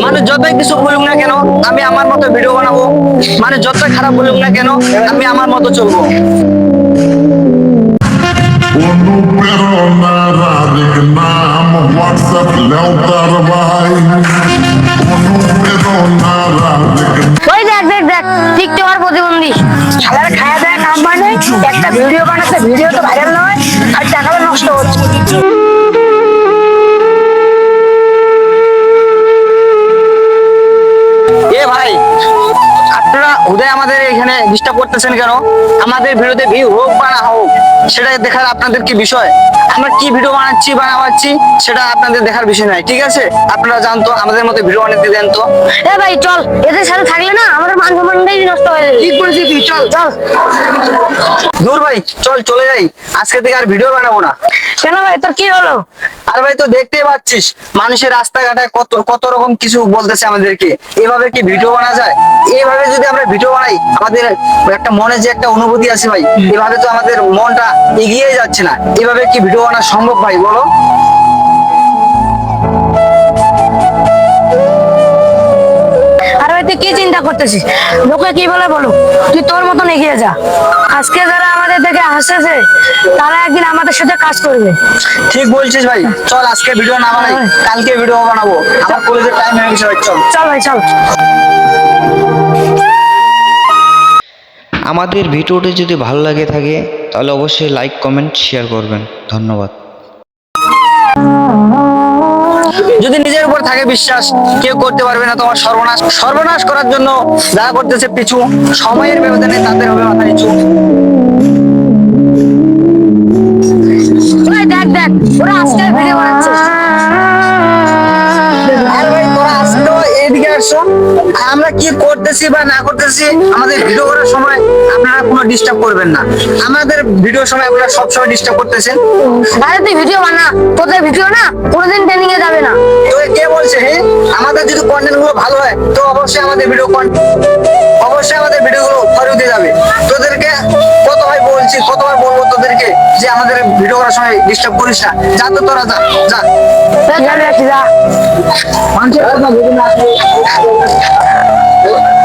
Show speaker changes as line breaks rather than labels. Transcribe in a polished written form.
মানে যতই কিছু বলুক না কেন আমি আমার মতো ভিডিও বানাবো, মানে যতই খারাপ বলুক না কেন আমি আমার মতো চলবো।
ওই দেখ দেখ দেখ টিকটকার প্রতিবন্ধী শালার খায়া দেয় কাম মানে একটা ভিডিও বানাচ্ছে, ভিডিও তো ভাইরাল নয় আর টাকাটা নষ্ট হচ্ছে।
এ ভাই, আপনারা উদয় আমাদের এখানে ডিস্টার্ব করতেছেন কেন? আমাদের ভিডিওতে ভিউ হোক বা না হোক সেটা দেখার আপনাদের কি বিষয়? আমরা কি ভিডিও বানাচ্ছি বা না বানাচ্ছি সেটা আপনাদের দেখার বিষয় নাই, ঠিক আছে? আপনারা জানতো আমাদের মতো ভিডিও বানাতে দেন তো।
এ ভাই চল, এদের সাথে থাকলে না আমাদের মান সম্মানটাই নষ্ট হয়ে যাবে।
ঠিক বলেছিস তুই, চল
চল
দূর ভাই, চল চলে যাই, আজকে থেকে আর ভিডিও বানাবো না।
কেন ভাই, তোর কি হলো?
আর ভাই তো দেখতেই পাচ্ছিস মানুষের রাস্তাঘাটে কত কত রকম কিছু বলতেছে আমাদেরকে, এভাবে কি ভিডিও বানা যায়? এইভাবে যদি আমরা ভিডিও বানাই আমাদের একটা মনে যে একটা অনুভূতি আছে ভাই, এভাবে তো আমাদের মনটা এগিয়ে যাচ্ছে না। এভাবে কি ভিডিও বানা সম্ভব ভাই বলো?
আর ভাই তুই কি চিন্তা করতেছিস? লোকে কি বলে বলো, তুই তোর মতন এগিয়ে যা। আজকে যারা আমাদের দেখে হাসতেছে তারা একদিন আমাদের সাথে কাজ করবে।
ঠিক বলছিস ভাই, চল আজকে ভিডিও না বানাই, কালকে ভিডিও বানাবো। আমার কলেজের টাইম হয়ে গেছে ভাই, চল।
চল ভাই চল।
আমাদের ভিডিওটি যদি ভালো লাগে থাকে তাহলে অবশ্যই লাইক কমেন্ট শেয়ার করবেন। ধন্যবাদ।
যদি নিজের উপর থাকে বিশ্বাস কেউ করতে পারবে না তোমার সর্বনাশ। সর্বনাশ করার জন্য যা করতেছে পিছু, সময়ের ব্যবধানে তাদের হবে মাথা নিচু।
ভাই দেখ দেখ ওরা আজকে ভিডিও বানাচ্ছে।
আর ভাই তোরা আসলো এদিকে আসছো, আমরা কি করতেছি বা না করতেছি আমাদের ভিডিও করার সময় আপনারা কোনো ডিস্টার্ব করবেন না। আমাদের ভিডিওর সময় আপনারা সবসময় ডিস্টার্ব করতেছেন।
আরে তুই ভিডিও বানা, তোদের ভিডিও না কোনোদিন ট্রেনিং এ যাবে না।
তোকে কে বলছে? হ্যাঁ, আমাদের যদি কন্টেন্ট গুলো ভালো হয় তো অবশ্যই আমাদের ভিডিও গুলো ফরিয়ে যাবে। তোদেরকে কতবার বলছি, কতবার বলবো তোদেরকে যে আমাদের ভিডিও করার সময় ডিস্টার্ব করিস না। যা তো তোরা যা যা।
যা, যা, যা।
মানুষের কথা ভেবে না।